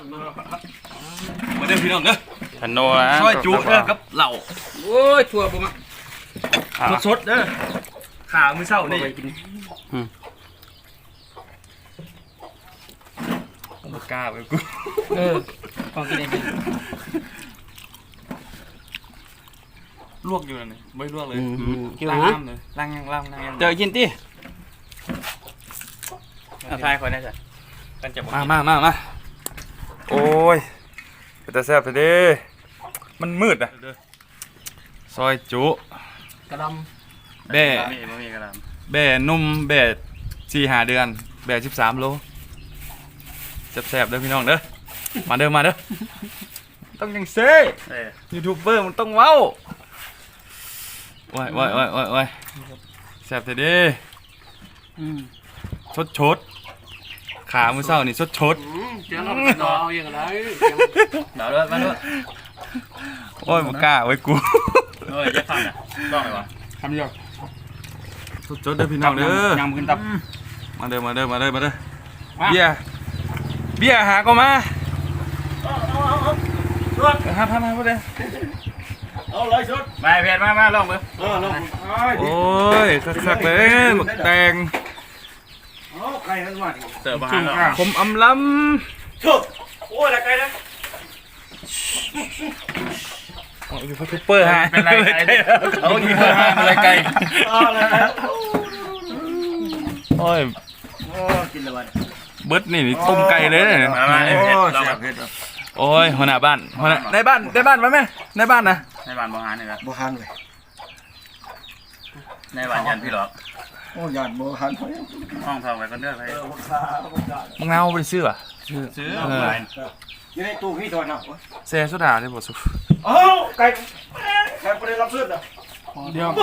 มาเด้อพี่น้องเด้อขนมซอยจุเด้อกับเหล่าโอ้ยถั่วผมอ่ะสดๆเด้อขามื้อเช้านี่ผมบ่กล้าไปกูของกินเองลวกอยู่นั่นนี่ไม่ลวกเลยกินล้างนะน้ำเลยล้างน้ำเจอกินติทายคนได้จ้ะกันจะมาโอ้ยเป็นตาแซ่บไปดิมันมืดอ่ะซอยจุกระดแบ่มีกระดาษแบ่นุ่มแบ่4-5 เดือนแบ่13 โลแซ่บๆเด้อพี่น้องเด้อมาเด้อต้องยังเซ่ยูทูบเบอร์มันต้องเว้าว้ายแซ่บเด้อชดขามื้อเช้านี่ชดเจ้าเรารออย่างไรเดี๋ยวด้วยมาด้วยโอ้ยบ่กล้าไว้กูเฮ้ยจะทำอ่ะต้องไหมวะทำยอดชดเด้อพี่น้องเด้อยำขึ้นตับมาเด้อเบียร์หาก็มาหาพอดีเอาเลยชุดมาเพจมาลองมือลงโอ้ยคักๆเลยหมึกแดงไก่ทั้งวันเสิร์ฟอาหารแล้วผมอำล้ชุดโอ้ยละไก่นะำโอ้ยยูทูบเบอร์ฮะเป็นไรไก่เอาอีกเป็นไรไก่อะไรนะโอ้ยโอ้กินละวันเบิดนี่ต้มไก่เลยเนี่ยมาเพจลองโอ้ยหัวหน้าบ้านในบ้านมาไหมในบ้านนะในบ้านบางฮานนี่ครับโบหันเลยในบ้านยันพี่หรอกโอ้ยานโบหันห้องทองไปก็เลือกไปมึงเอาไปซื้ออ่ะซื้ออยู่ในตู้พี่ตัวน่ะเซ่สุดาเลยบ่สุโอ้ไก่ไก่ประเดี๋ยวรับซื้อน่ะเดียว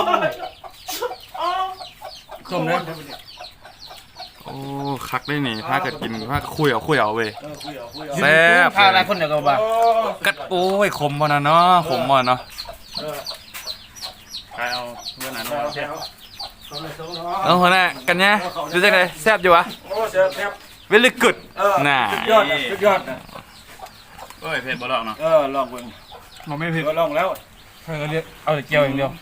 ส้มเลยโอ้คักได้นี่พากัดกินพาคุยเอาเว้ยคุยเอาแซ่บพาอะไรคนเดียวก็บ้ากัดโอ้ยขมบ่นะเนาะขมบ่เนาะใครเอาเพื่อนไหนน้องเช็ดเอาหัวหน้ากันเนี่ยดูจังได๋แซ่บอยู่วะโอ้แซ่บแซ่บ very good น่ะสุดยอดนะเฮ้ยเพจบ่ลองเนาะลองเบิ่งมันไม่ผิดก็ลองแล้วเอาแต่เกียวอย่างเดียว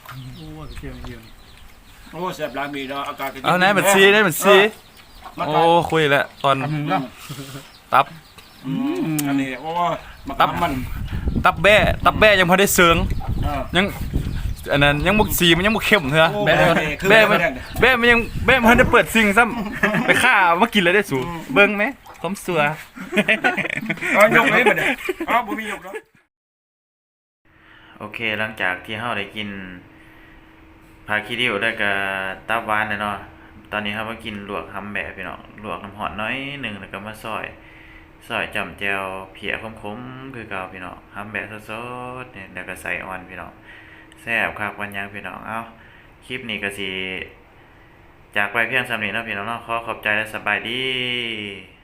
โอ้แซ่บล้างมีเนาะอากาศก็เอาไหนมันซีโอ้คุยแล้วตอนตับอันนี้โอ้ตับมันตับแบ้ยังพอได้เสิงยังอันนั้นยังมุกสีมันยังมุกเข้มเถอะแบ้มันได้เปิดซิงซ้ำไปฆ่ามากินเลยได้สูเบิ่งไหมผมสัวยกเลยบัดนี้บ่มียกเนาะโอเคหลังจากที่เฮาได้กินพาคิริวได้กับตับหวานเนาะตอนนี้เฮามากินลวกหำแบบพี่น้องลวกน้ำหอมน้อยนึงแล้วก็มาซอยจำแจวเพียคมๆคือเก่าพี่น้องหำแบบสดๆเนี่ยแล้วก็ใส่อ่อนพี่น้องแซ่บคักวันยังพี่น้องเอ้าคลิปนี้ก็สิจากไปเพียงส่ำนี้เนาะพี่น้องเนาะขอบใจและสบายดี